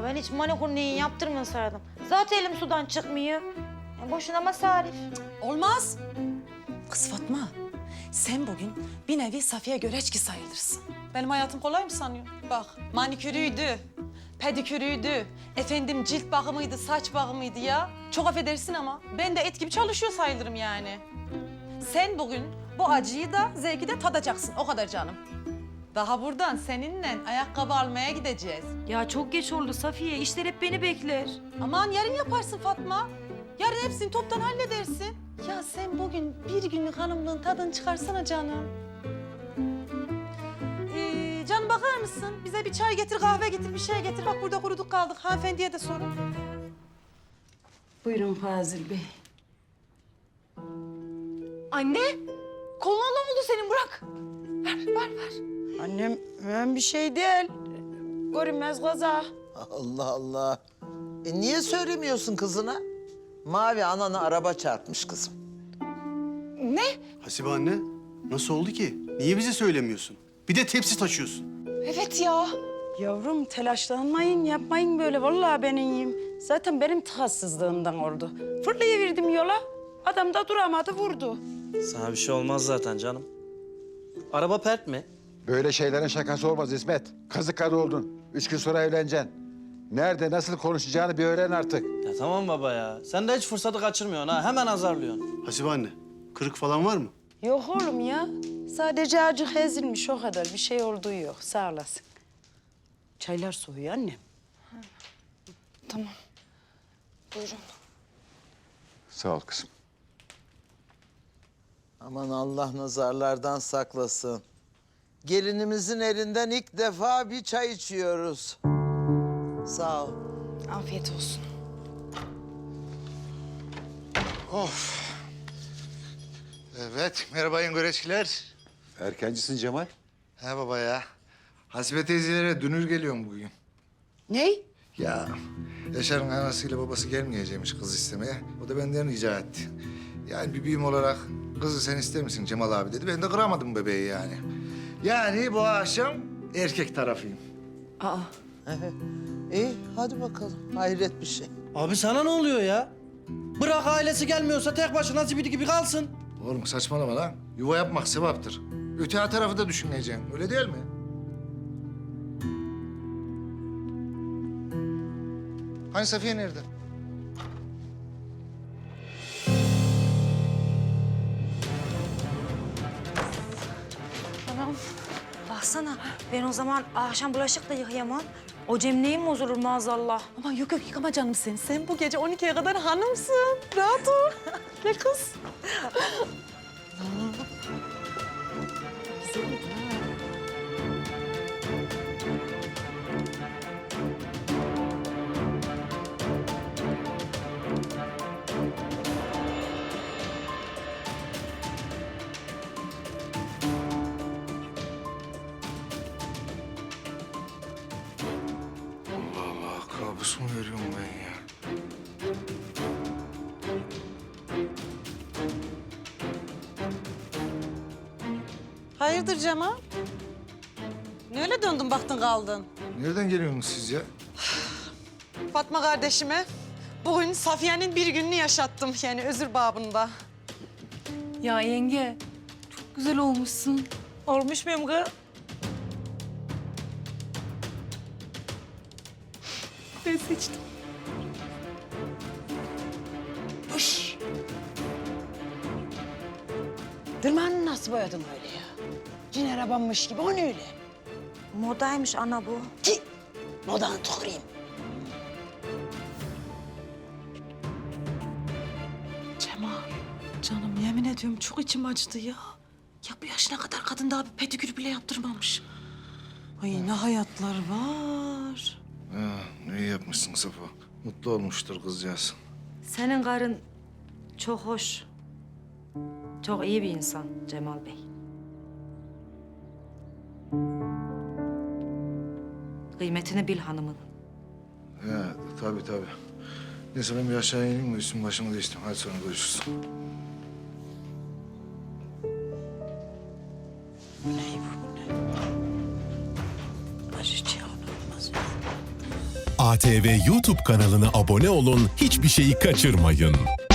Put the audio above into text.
ben hiç manikür neyi yaptırmasaydım. Zaten elim sudan çıkmıyor. Boşuna masarif. Olmaz. Kız Fatma, sen bugün bir nevi Safiye Göreçki sayılırsın. Benim hayatım kolay mı sanıyorsun? Bak, manikürüydü, pedikürüydü, efendim cilt bakımıydı, saç bakımıydı ya. Çok affedersin ama ben de et gibi çalışıyor sayılırım yani. Sen bugün bu acıyı da zevki de tadacaksın, o kadar canım. Daha buradan seninle ayakkabı almaya gideceğiz. Ya çok geç oldu Safiye. İşler hep beni bekler. Aman yarın yaparsın Fatma. Yarın hepsini toptan halledersin. Ya sen bugün bir günlük hanımlığın tadını çıkarsana canım. Canım bakar mısın? Bize bir çay getir, kahve getir, bir şey getir. Bak burada kuruduk kaldık. Hanımefendiye de sorun. Buyurun Fazıl Bey. Anne, koluna ne oldu senin? Bırak. Ver. Annem ben bir şey değil. Görünmez kaza. Allah Allah. Niye söylemiyorsun kızına? Mavi ananı araba çarpmış kızım. Hasibe anne, nasıl oldu ki? Niye bize söylemiyorsun? Bir de tepsi taşıyorsun. Evet ya. Yavrum telaşlanmayın, yapmayın böyle. Vallahi ben iyiyim. Zaten benim tahassızlığımdan oldu. Fırlayıverdim yola. Adam da duramadı, vurdu. Sana bir şey olmaz zaten canım. Araba pert mi? Böyle şeylerin şakası olmaz İsmet. Kazık karı oldun. 3 gün sonra evleneceksin. Nerede, nasıl konuşacağını bir öğren artık. Ya tamam baba ya. Sen de hiç fırsatı kaçırmıyorsun ha. Hemen azarlıyorsun. Hasibe anne, kırık falan var mı? Yok oğlum ya. Sadece acık ezilmiş o kadar. Bir şey olduğu yok. Sağ olasın. Çaylar soğuyor annem. Tamam. Buyurun. Sağ ol kızım. Aman Allah nazarlardan saklasın. Gelinimizin elinden ilk defa bir çay içiyoruz. Sağ ol. Afiyet olsun. Evet, merhaba Yengoreçkiler. Erkencisin Cemal. He baba ya. Hasibe teyzelere dünür geliyorum bugün. Ney? Ya Yaşar'ın anasıyla babası gelmeyecekmiş kız istemeye. O da benden rica etti. Yani bir büyüm olarak kızı sen ister misin Cemal abi dedi. Ben de kıramadım bebeği yani. Yani bu akşam erkek tarafıyım. Aa. İyi hadi bakalım. Hayret bir şey. Abi sana ne oluyor ya? Bırak ailesi gelmiyorsa tek başına zibidi gibi kalsın. Oğlum saçmalama lan. Yuva yapmak sevaptır. Öte tarafı da düşüneceksin. Öyle değil mi? Hani Safiye nerede? Baksana, ben o zaman akşam bulaşık da yıkayamam. O Cemne'yi mi bozulur maazallah? Aman yok yıkama canım sen. Sen bu gece 12'ye kadar hanımsın. Rahat ol. Gel kız. Allah Allah, kabus mu görüyorum ben ya? Hayırdır Cemal? Ne öyle döndün baktın kaldın? Nereden geliyorsunuz siz ya? Fatma kardeşime bugün Safiye'nin bir gününü yaşattım yani özür babında. Ya yenge, çok güzel olmuşsun. Olmuş muyum kız? Ben seçtim. Dırmanı nasıl boyadın öyle ya? Cin arabanmış gibi, o ne öyle? Modaymış ana bu. Ki modanı tüküreyim. Cemal, canım yemin ediyorum çok içim acıdı ya. Ya bu yaşına kadar kadın daha bir pedikür bile yaptırmamış. Ay ne hayatlar var. Ha, iyi yapmışsın Safa. Mutlu olmuştur kızcağız. Senin karın çok hoş. Çok iyi bir insan Cemal Bey. Kıymetini bil hanımın. He, tabii tabii. Neyse ben bir aşağı ineyim mi? Üstüm başımı değiştim. Hadi sonra görüşürüz. Bu ne bu ne? Acı çağın olmaz. ATV YouTube kanalına abone olun, hiçbir şeyi kaçırmayın.